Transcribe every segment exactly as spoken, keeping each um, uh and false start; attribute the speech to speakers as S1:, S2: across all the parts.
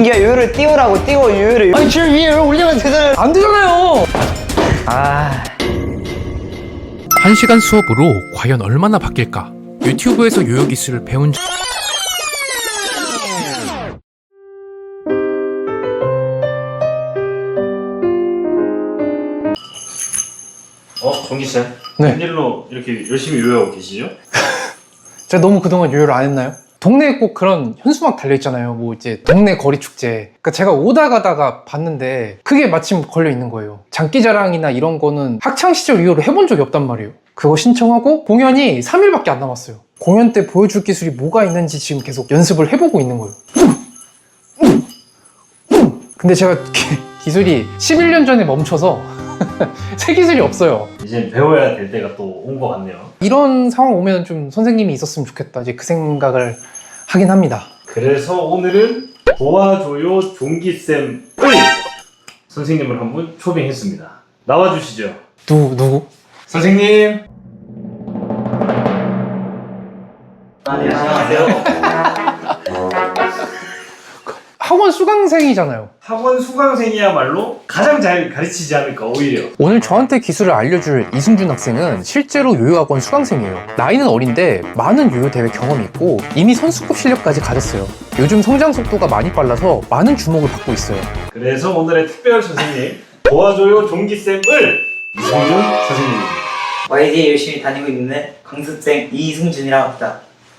S1: 민기야 요요를 띄우라고 띄워 요요를.
S2: 아니 줄 위에 올리면 되잖아요. 안 되잖아요.
S1: 아.
S3: 한 시간 수업으로 과연 얼마나 바뀔까? 유튜브에서 요요 기술을 배운 적...
S4: 어? 정기쌤?
S2: 네.
S4: 웬일로 이렇게 열심히 요요하고 계시죠?
S2: 제가 너무 그동안 요요를 안 했나요? 동네에 꼭 그런 현수막 달려있잖아요. 뭐 이제 동네 거리 축제. 그러니까 제가 오다 가다가 봤는데 그게 마침 걸려 있는 거예요. 장기자랑이나 이런 거는 학창시절 이후로 해본 적이 없단 말이에요. 그거 신청하고 공연이 삼 일밖에 안 남았어요. 공연 때 보여줄 기술이 뭐가 있는지 지금 계속 연습을 해보고 있는 거예요. 근데 제가 기, 기술이 십일 년 전에 멈춰서 새 기술이 없어요.
S4: 이제 배워야 될 때가 또 온 것 같네요.
S2: 이런 상황 오면 좀 선생님이 있었으면 좋겠다. 이제 그 생각을 하긴 합니다.
S4: 그래서 오늘은 도와줘요 종기쌤을 선생님을 한 분 초빙했습니다. 나와주시죠.
S2: 누, 누구?
S4: 선생님.
S1: 안녕하세요.
S2: 학원 수강생이잖아요.
S4: 학원 수강생이야말로 가장 잘 가르치지 않을까 오히려.
S2: 오늘 저한테 기술을 알려줄 이승준 학생은 실제로 요요학원 수강생이에요. 나이는 어린데 많은 요요 대회 경험이 있고 이미 선수급 실력까지 가졌어요. 요즘 성장 속도가 많이 빨라서 많은 주목을 받고 있어요.
S4: 그래서 오늘의 특별 선생님 도와줘요 종기쌤을 이승준 선생님입니다.
S1: 와이디에 열심히 다니고 있는 강습생 이승준이라고 합니다.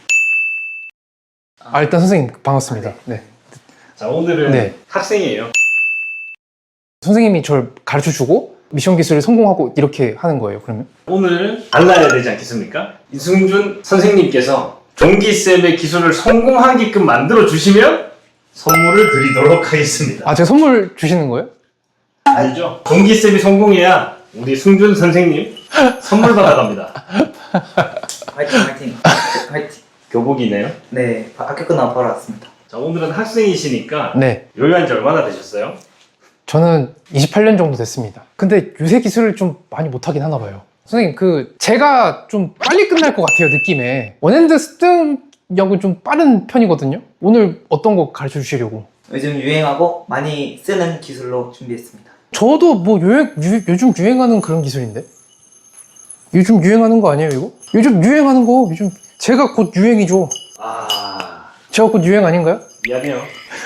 S2: 아, 일단 선생님 반갑습니다. 네.
S4: 자, 오늘은
S2: 네.
S4: 학생이에요.
S2: 선생님이 저를 가르쳐주고 미션 기술을 성공하고 이렇게 하는 거예요. 그러면?
S4: 오늘 알라야 되지 않겠습니까? 이승준 선생님께서 종기쌤의 기술을 성공하게끔 만들어 주시면 선물을 드리도록 하겠습니다.
S2: 아, 제가 선물 주시는 거예요?
S4: 알죠? 종기쌤이 성공해야 우리 승준 선생님 선물 받아갑니다.
S1: 화이팅 화이팅 화이팅.
S4: 교복이네요.
S1: 네, 학교 끝나고 바로 왔습니다.
S4: 자, 오늘은 학생이시니까
S2: 네.
S4: 요요한 지 얼마나 되셨어요?
S2: 저는 이십팔 년 정도 됐습니다. 근데 요새 기술을 좀 많이 못하긴 하나 봐요. 선생님, 그 제가 좀 빨리 끝날 것 같아요, 느낌에. 원핸드 습득력은 좀 빠른 편이거든요. 오늘 어떤 거 가르쳐 주시려고?
S1: 요즘 유행하고 많이 쓰는 기술로 준비했습니다.
S2: 저도 뭐 유행, 유, 요즘 유행하는 그런 기술인데? 요즘 유행하는 거 아니에요, 이거? 요즘 유행하는 거, 요즘 제가 곧 유행이죠.
S4: 아...
S2: 제가 곧 유행 아닌가요?
S4: 미안해요.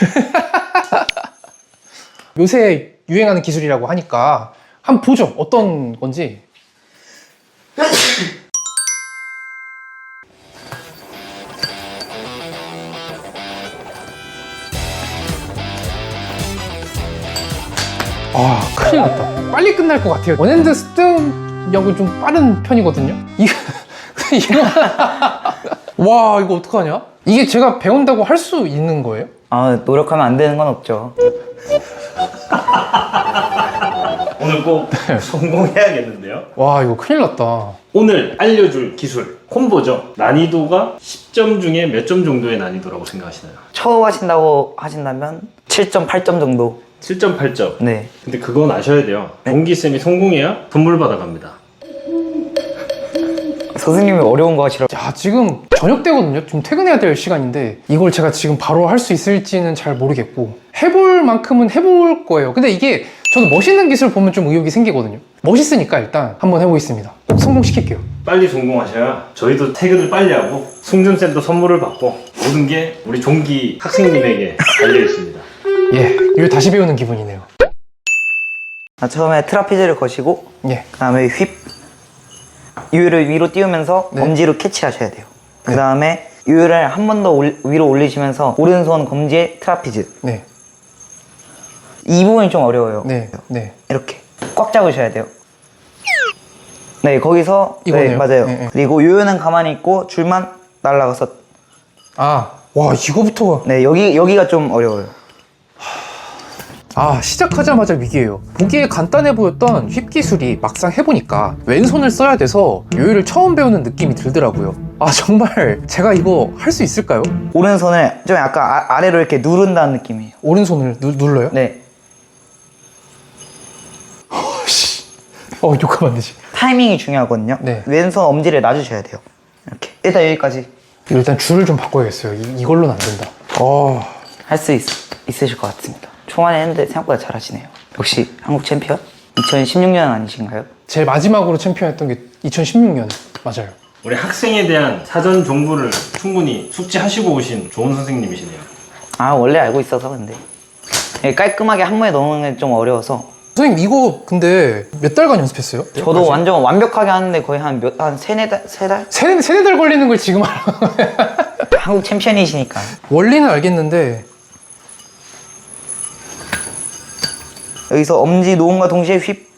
S2: 요새 유행하는 기술이라고 하니까 한번 보죠. 어떤 건지. 아, 큰일 났다. 빨리 끝날 것 같아요. 원핸드 습득력은 좀 빠른 편이거든요. 이거, 이거. 와, 이거 어떡하냐? 이게 제가 배운다고 할 수 있는 거예요?
S1: 아, 노력하면 안 되는 건 없죠.
S4: 오늘 꼭 성공해야겠는데요?
S2: 와, 이거 큰일 났다.
S4: 오늘 알려줄 기술 콤보죠. 난이도가 십 점 중에 몇 점 정도의 난이도라고 생각하시나요?
S1: 처음 하신다고 하신다면 칠 점, 팔 점 정도.
S4: 칠 점, 팔 점.
S1: 네.
S4: 근데 그건 아셔야 돼요. 종기쌤이 성공해야 선물 받아갑니다.
S1: 선생님이 어려운 거 하시라고.
S2: 야, 지금 저녁 때거든요. 좀 퇴근해야 될 시간인데 이걸 제가 지금 바로 할 수 있을지는 잘 모르겠고 해볼 만큼은 해볼 거예요. 근데 이게 저는 멋있는 기술 보면 좀 의욕이 생기거든요. 멋있으니까 일단 한번 해보겠습니다. 꼭 성공시킬게요.
S4: 빨리 성공하셔야 저희도 퇴근을 빨리 하고 승준쌤도 선물을 받고 모든 게 우리 종기 학생님에게 달려있습니다.
S2: 예, 이거 다시 배우는 기분이네요.
S1: 아, 처음에 트라피즈를 거시고
S2: 예,
S1: 그 다음에 휩 요요를 위로 띄우면서
S2: 네.
S1: 검지로 캐치하셔야 돼요. 그 다음에 요요를 한 번 더 위로 올리시면서 오른손 검지에 트라피즈.
S2: 네,
S1: 이 부분이 좀 어려워요.
S2: 네, 네.
S1: 이렇게 꽉 잡으셔야 돼요. 네, 거기서
S2: 이거네요.
S1: 네, 맞아요.
S2: 네, 네.
S1: 그리고 요요는 가만히 있고 줄만 날아가서
S2: 아, 와, 이거부터가.
S1: 네, 여기 여기가 좀 어려워요.
S2: 아, 시작하자마자 위기예요. 보기에 간단해 보였던 휩 기술이 막상 해보니까 왼손을 써야 돼서 요요를 처음 배우는 느낌이 들더라고요. 아, 정말 제가 이거 할 수 있을까요?
S1: 오른손을 좀 약간 아, 아래로 이렇게 누른다는 느낌이에요.
S2: 오른손을 누, 눌러요?
S1: 네.
S2: 어, 욕하면 안 되지.
S1: 타이밍이 중요하거든요.
S2: 네.
S1: 왼손 엄지를 놔주셔야 돼요. 이렇게. 일단 여기까지
S2: 일단 줄을 좀 바꿔야겠어요. 이, 이걸로는 안 된다. 어,
S1: 할 수 있어. 있으실 것 같습니다. 초반에 했는데 생각보다 잘하시네요. 역시 한국 챔피언? 이천십육 년 아니신가요?
S2: 제일 마지막으로 챔피언했던 게 이천십육 년 맞아요.
S4: 우리 학생에 대한 사전 정보를 충분히 숙지하시고 오신 좋은 선생님이시네요.
S1: 아 원래 알고 있어서 근데 예, 깔끔하게 한 번에 넣는 게 좀 어려워서.
S2: 선생님 이거 근데 몇 달간 연습했어요?
S1: 저도 완전 완벽하게 하는데 거의 한 몇, 한 세네 달? 세 달?
S2: 세네, 세네 달 걸리는 걸 지금 알아.
S1: 한국 챔피언이시니까.
S2: 원리는 알겠는데
S1: 여기서 엄지 놓음과 동시에 휩.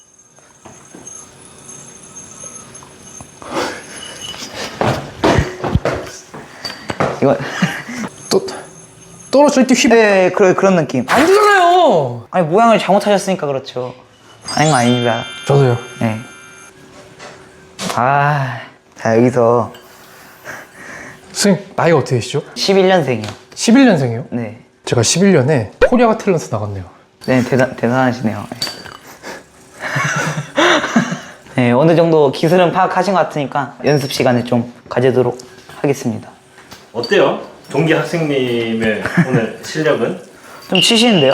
S1: 이거
S2: 또 떨어질 때 휘.
S1: 네, 그런 그런 느낌.
S2: 안 되잖아요.
S1: 아니 모양을 잘못하셨으니까 그렇죠. 아닌 거 아닙니다.
S2: 저도요.
S1: 네. 아, 자 여기서
S2: 선생님 나이가 어떻게 되시죠?
S1: 십일 년생이요.
S2: 십일 년생이요?
S1: 네.
S2: 제가 십일 년에 코리아가 탤런트 나갔네요.
S1: 네, 대단 대단하시네요. 네. 네, 어느 정도 기술은 파악하신 것 같으니까 연습 시간을 좀 가지도록 하겠습니다.
S4: 어때요? 종기 학생님의 오늘 실력은?
S1: 좀 치시는데요?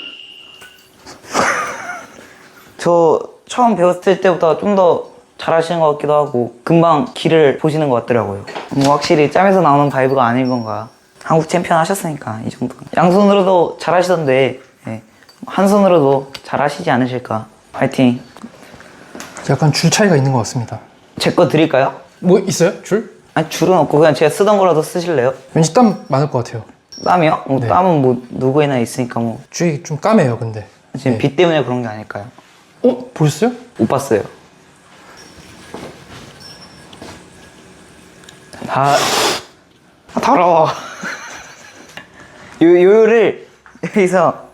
S1: 저 처음 배웠을 때보다 좀 더 잘하시는 것 같기도 하고 금방 길을 보시는 것 같더라고요. 뭐 확실히 짬에서 나오는 바이브가 아닌 건가. 한국 챔피언 하셨으니까 이 정도. 양손으로도 잘하시던데 네. 한 손으로도 잘하시지 않으실까. 파이팅.
S2: 약간 줄 차이가 있는 것 같습니다.
S1: 제 거 드릴까요?
S2: 뭐 있어요? 줄?
S1: 아니 줄은 없고 그냥 제가 쓰던 거라도 쓰실래요?
S2: 왠지 땀 많을 것 같아요.
S1: 땀이요? 뭐
S2: 네.
S1: 땀은 뭐 누구에나 있으니까 뭐
S2: 줄이 좀 까매요 근데.
S1: 지금
S2: 네.
S1: 비 때문에 그런 게 아닐까요?
S2: 어? 보셨어요?
S1: 못 봤어요. 다 아, 더러워. 요, 요요를 여기서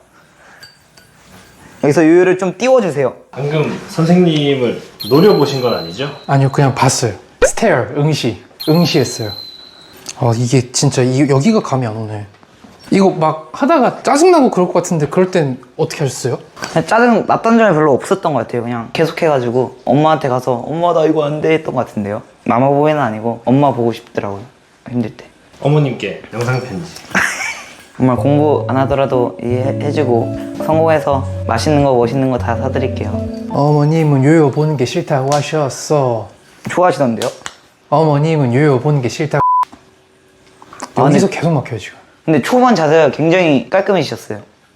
S1: 여기서 요요를 좀 띄워주세요.
S4: 방금 선생님을 노려보신 건 아니죠?
S2: 아니요 그냥 봤어요. 스테어 응시 응시했어요. 아 이게 진짜 이, 여기가 감이 안 오네. 이거 막 하다가 짜증나고 그럴 것 같은데 그럴 땐 어떻게 하셨어요?
S1: 그냥 짜증 났던 점이 별로 없었던 것 같아요. 그냥 계속해가지고 엄마한테 가서 엄마 나 이거 안 돼 했던 것 같은데요. 마마보이는 아니고 엄마 보고 싶더라고요. 힘들 때.
S4: 어머님께 영상 편지.
S1: 정말 공부 안 하더라도 이해해주고 성공해서 맛있는 거 멋있는 거 다 사드릴게요.
S2: 어머님은 요요 보는 게 싫다고 하셨어.
S1: 좋아하시던데요?
S2: 어머님은 요요 보는 게 싫다고.
S1: 아,
S2: 여기서
S1: 네.
S2: 계속 막혀요 지금.
S1: 근데 초반 자세가 굉장히 깔끔해지셨어요.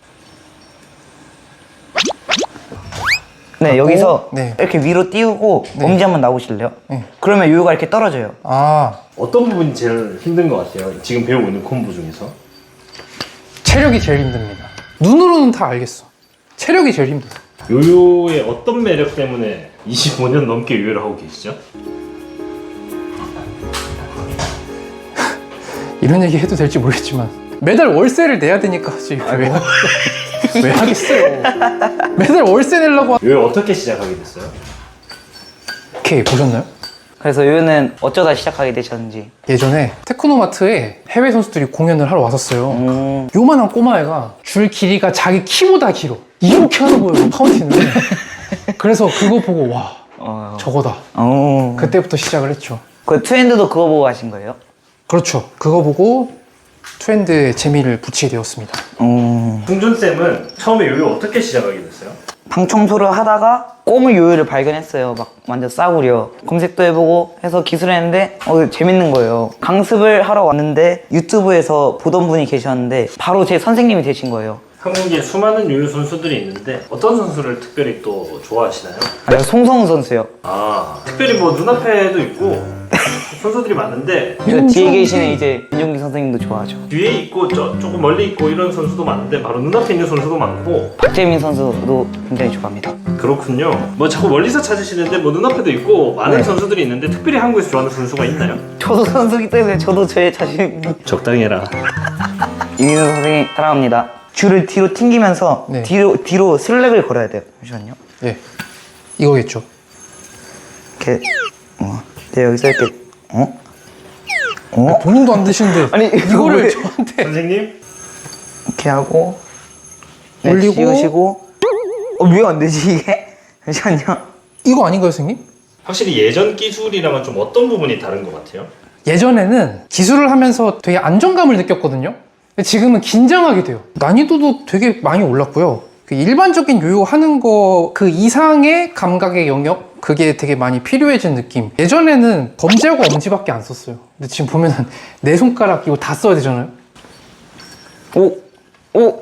S1: 네,
S2: 하고,
S1: 여기서
S2: 네.
S1: 이렇게 위로 띄우고
S2: 네.
S1: 엄지 한번 나오실래요?
S2: 네.
S1: 그러면 요요가 이렇게 떨어져요.
S2: 아
S4: 어떤 부분이 제일 힘든 것 같아요? 지금 배우고 있는 콤보 중에서?
S2: 체력이 제일 힘듭니다. 눈으로는 다 알겠어. 체력이 제일 힘들어.
S4: 요요의 어떤 매력 때문에 이십오 년 넘게 요요를 하고 계시죠?
S2: 이런 얘기 해도 될지 모르겠지만 매달 월세를 내야 되니까 지금 왜, 하- 왜 하겠어요. 매달 월세 내려고 하...
S4: 요요 어떻게 시작하게 됐어요?
S2: 오케이 보셨나요?
S1: 그래서 요요는 어쩌다 시작하게 되셨는지.
S2: 예전에 테크노마트에 해외 선수들이 공연을 하러 왔었어요.
S1: 음,
S2: 요만한 꼬마애가 줄 길이가 자기 키보다 길어. 이렇게 하는 거예요 파운틴을. 그래서 그거 보고 와
S1: 어,
S2: 저거다.
S1: 어.
S2: 그때부터 시작을 했죠.
S1: 그 트렌드도 그거 보고 하신 거예요?
S2: 그렇죠. 그거 보고 트렌드에 재미를 붙이게 되었습니다.
S1: 어.
S4: 홍준쌤은 처음에 요요 어떻게 시작하게 됐어요?
S1: 방 청소를 하다가 꼬물 요요를 발견했어요. 막 완전 싸구려. 검색도 해보고 해서 기술했는데 어, 재밌는 거예요. 강습을 하러 왔는데 유튜브에서 보던 분이 계셨는데 바로 제 선생님이 되신 거예요.
S4: 한국에 수많은 요요 선수들이 있는데 어떤 선수를 특별히 또 좋아하시나요?
S1: 아, 송성우 선수요.
S4: 아 특별히 뭐 눈앞에도 있고 선수들이 많은데
S1: 그 뒤에 계시는 이제 윤종기 선생님도 좋아하죠.
S4: 뒤에 있고 저, 조금 멀리 있고 이런 선수도 많은데 바로 눈앞에 있는 선수도 많고.
S1: 박재민 선수도 굉장히 좋아합니다.
S4: 그렇군요. 뭐 자꾸 멀리서 찾으시는데 뭐 눈앞에도 있고 많은
S1: 네.
S4: 선수들이 있는데 특별히 한국에서 좋아하는 선수가 있나요?
S1: 저도 선수기 때문에 저도 저의 자신이
S4: 적당히 해라.
S1: 이민호 선생님 사랑합니다. 줄을 뒤로 튕기면서
S2: 네.
S1: 뒤로 뒤로 슬랙을 걸어야 돼요. 잠시만요.
S2: 예, 이거겠죠.
S1: 이렇게 어, 네, 여기서 이렇게 어? 어?
S2: 본인도 안 드시는데
S1: 아니, 이거
S2: 이거를
S1: 왜-
S2: 저한테
S4: 선생님
S1: 이렇게 하고 네,
S2: 올리고.
S1: 씌우시고 어, 왜 안 되지 이게? 잠시만요.
S2: 이거 아닌가요, 선생님?
S4: 확실히 예전 기술이랑은 좀 어떤 부분이 다른 것 같아요?
S2: 예전에는 기술을 하면서 되게 안정감을 느꼈거든요. 근데 지금은 긴장하게 돼요. 난이도도 되게 많이 올랐고요. 그 일반적인 요요 하는 거 그 이상의 감각의 영역, 그게 되게 많이 필요해진 느낌. 예전에는 검지하고 엄지밖에 안 썼어요. 근데 지금 보면은 네 손가락 이거 다 써야 되잖아요.
S1: 오! 오!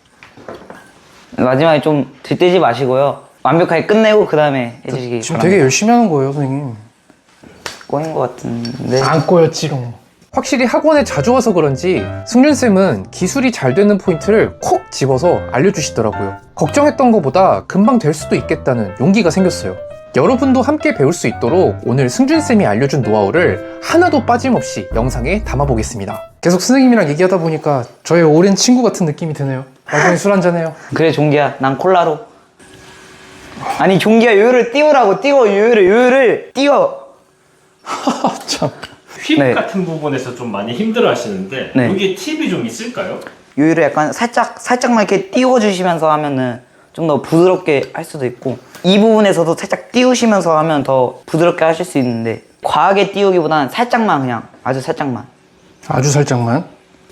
S1: 마지막에 좀 들뜨지 마시고요. 완벽하게 끝내고 그 다음에 해주시기
S2: 지금
S1: 바랍니다.
S2: 되게 열심히 하는 거예요, 선생님.
S1: 꼬인 것 같은데.
S2: 안 꼬였지롱. 확실히 학원에 자주 와서 그런지 승준쌤은 기술이 잘 되는 포인트를 콕 집어서 알려주시더라고요. 걱정했던 것보다 금방 될 수도 있겠다는 용기가 생겼어요. 여러분도 함께 배울 수 있도록 오늘 승준쌤이 알려준 노하우를 하나도 빠짐없이 영상에 담아보겠습니다. 계속 선생님이랑 얘기하다 보니까 저의 오랜 친구 같은 느낌이 드네요. 나중에 술 한잔해요.
S1: 그래 종기야, 난 콜라로. 아니 종기야, 요요를 띄우라고. 띄워, 요요를 요요를 띄워.
S2: 참.
S4: 휩
S1: 네.
S4: 같은 부분에서 좀 많이 힘들어 하시는데
S1: 네.
S4: 여기에 팁이 좀 있을까요?
S1: 요요를 약간 살짝 살짝만 이렇게 띄워주시면서 하면은 좀 더 부드럽게 할 수도 있고, 이 부분에서도 살짝 띄우시면서 하면 더 부드럽게 하실 수 있는데, 과하게 띄우기보다는 살짝만, 그냥 아주 살짝만.
S2: 아주 살짝만.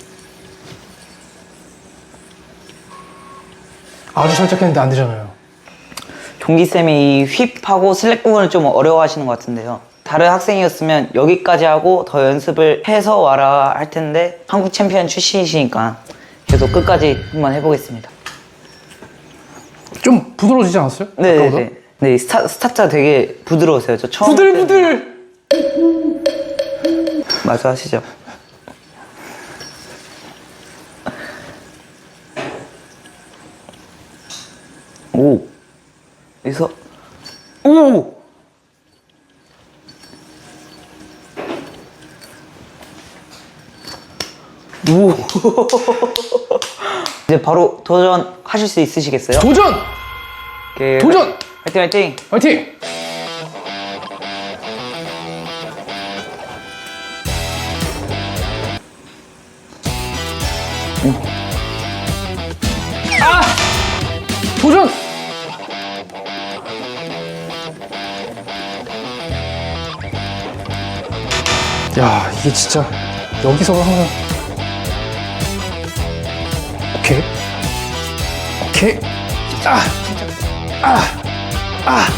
S2: 아주 살짝 했는데 안 되잖아요.
S1: 종기쌤이 이 휩하고 슬랙 부분을 좀 어려워하시는 것 같은데요. 다른 학생이었으면 여기까지 하고 더 연습을 해서 와라 할 텐데, 한국 챔피언 출신이시니까 계속 끝까지 한번 해보겠습니다.
S2: 좀 부드러워지지 않았어요?
S1: 네,
S2: 아까보다?
S1: 네, 네. 스타, 스타트가 되게 부드러우세요. 저 처음
S2: 부들부들!
S1: 맞아 하시죠. 오, 여기서 오. 오. 이제 바로 도전하실 수 있으시겠어요?
S2: 도전!
S1: 오케이.
S2: 도전!
S1: 화이팅 화이팅!
S2: 화이팅! 아! 도전! 야, 이게 진짜 여기서 항상 오케이 오케이 아! 아! 아!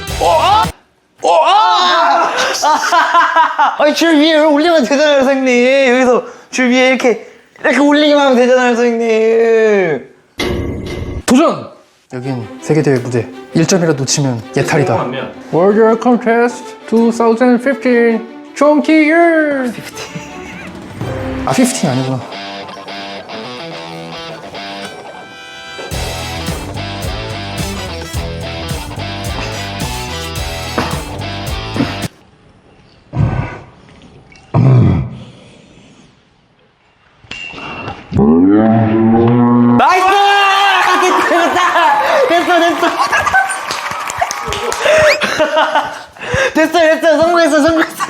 S1: 아니 줄 위에 올리면 되잖아요, 선생님. 여기서 줄 위에 이렇게 이렇게 올리기만 하면 되잖아요, 선생님.
S2: 도전! 여긴 세계대회 무대 일 점이라도 놓치면 예탈이다.
S4: 성공하면
S2: World Contest 이천십오 종기율 아 십오 아니구나.
S1: 나이스! 됐다! 됐어, 됐어! 됐어, 됐어! 성공했어, 성공했어!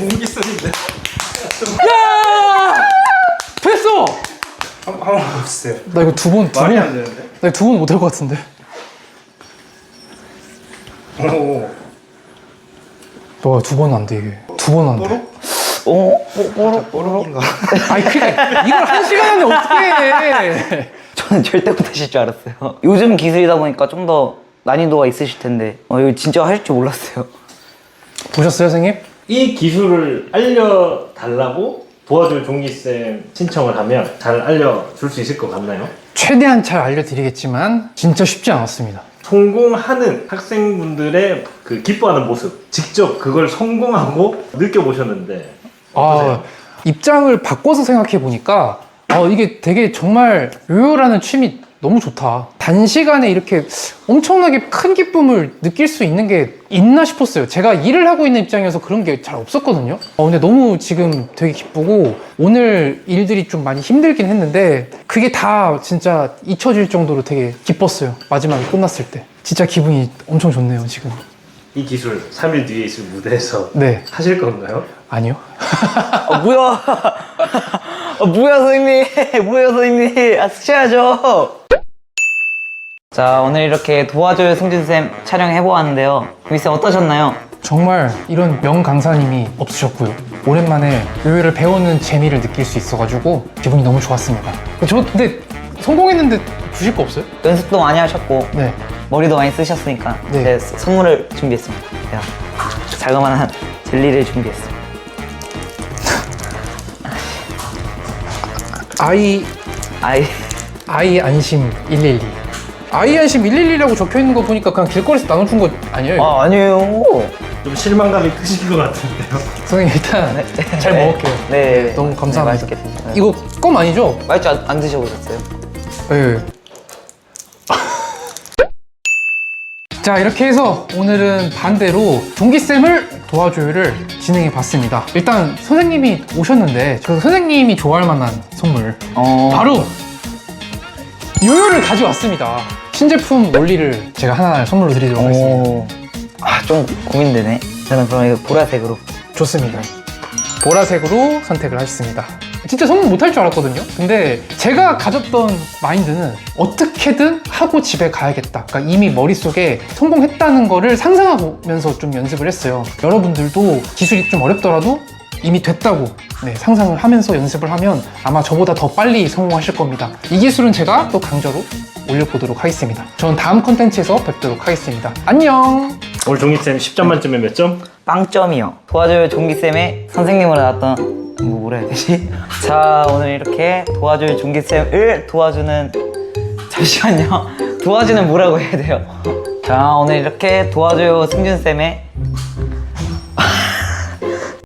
S2: 야! 됐어!
S5: 한번 해보세요.
S2: 나 이거 두 번, 두 번,
S5: 말이
S2: 나
S5: 안 되는데?
S2: 이거 두 번 못할 것 같은데.
S5: 오.
S2: 너가 두 번 안 돼, 이게. 두 번 안 돼.
S1: 어? 뽀로?
S5: 뽀록인가?
S2: 아니, 그니까, 이걸 한 시간 안에 어떻게 해!
S1: 저는 절대 못하실 줄 알았어요. 요즘 기술이다 보니까 좀 더 난이도가 있으실 텐데, 어, 이거 진짜 하실 줄 몰랐어요.
S2: 보셨어요, 선생님?
S4: 이 기술을 알려달라고 도와줄 종기쌤 신청을 하면 잘 알려줄 수 있을 것 같나요?
S2: 최대한 잘 알려드리겠지만, 진짜 쉽지 않았습니다.
S4: 성공하는 학생분들의 그 기뻐하는 모습, 직접 그걸 성공하고 느껴보셨는데 어떠세요?
S2: 아, 입장을 바꿔서 생각해 보니까 어, 이게 되게 정말 요요라는 취미 너무 좋다. 단시간에 이렇게 엄청나게 큰 기쁨을 느낄 수 있는 게 있나 싶었어요. 제가 일을 하고 있는 입장이어서 그런 게 잘 없었거든요. 어, 근데 너무 지금 되게 기쁘고 오늘 일들이 좀 많이 힘들긴 했는데 그게 다 진짜 잊혀질 정도로 되게 기뻤어요. 마지막에 끝났을 때. 진짜 기분이 엄청 좋네요, 지금.
S4: 이 기술 삼 일 뒤에 있을 무대에서
S2: 네.
S4: 하실 건가요?
S2: 아니요.
S1: 아, 뭐야? 아, 뭐야, 선생님? 뭐야, 선생님? 아, 쓰셔야죠. 자, 오늘 이렇게 도와줘요 승준쌤 촬영해보았는데요. 구미쌤 어떠셨나요?
S2: 정말 이런 명 강사님이 없으셨고요. 오랜만에 요요를 배우는 재미를 느낄 수 있어가지고 기분이 너무 좋았습니다. 저 근데 성공했는데 주실 거 없어요?
S1: 연습도 많이 하셨고
S2: 네.
S1: 머리도 많이 쓰셨으니까
S2: 네.
S1: 제가 스- 선물을 준비했습니다. 제가 자그마한 젤리를 준비했습니다.
S2: 아이
S1: 아이
S2: 아이 안심 일일이. 아이 안심 일일이라고 적혀 있는 거 보니까 그냥 길거리에서 나눠준 거 아니에요?
S1: 아 아니에요.
S4: 좀 실망감이 크실 것 같은데요.
S2: 선생님 일단 잘
S1: 네.
S2: 먹을게요.
S1: 네.
S2: 너무
S1: 네,
S2: 감사합니다.
S1: 맛있겠습니다.
S2: 이거 껌 아니죠?
S1: 맛있죠? 안, 안 드셔보셨어요?
S2: 네. 자, 이렇게 해서 오늘은 반대로 종기쌤을 도와줘요를 진행해 봤습니다. 일단 선생님이 오셨는데 그 선생님이 좋아할 만한 선물
S1: 어.
S2: 바로 요요를 가져왔습니다. 신제품 원리를 제가 하나 선물로 드리도록 하겠습니다.
S1: 오. 아, 좀 고민되네. 저는 그럼 이거 보라색으로.
S2: 좋습니다. 보라색으로 선택을 하셨습니다. 진짜 성공 못할 줄 알았거든요. 근데 제가 가졌던 마인드는 어떻게든 하고 집에 가야겠다. 그러니까 이미 머릿속에 성공했다는 거를 상상하면서 좀 연습을 했어요. 여러분들도 기술이 좀 어렵더라도 이미 됐다고 네, 상상을 하면서 연습을 하면 아마 저보다 더 빨리 성공하실 겁니다. 이 기술은 제가 또 강좌로 올려보도록 하겠습니다. 저는 다음 컨텐츠에서 뵙도록 하겠습니다. 안녕!
S4: 오늘 종기쌤 십 점 만점에 몇 점?
S1: 빵점이요. 도와줘요 종기쌤의 선생님으로 나왔던 뭐 뭐라 해야 되지? 자, 오늘 이렇게 도와줘요 종기쌤을 도와주는 잠시만요. 도와주는 뭐라고 해야 돼요? 자, 오늘 이렇게 도와줘요 승준쌤의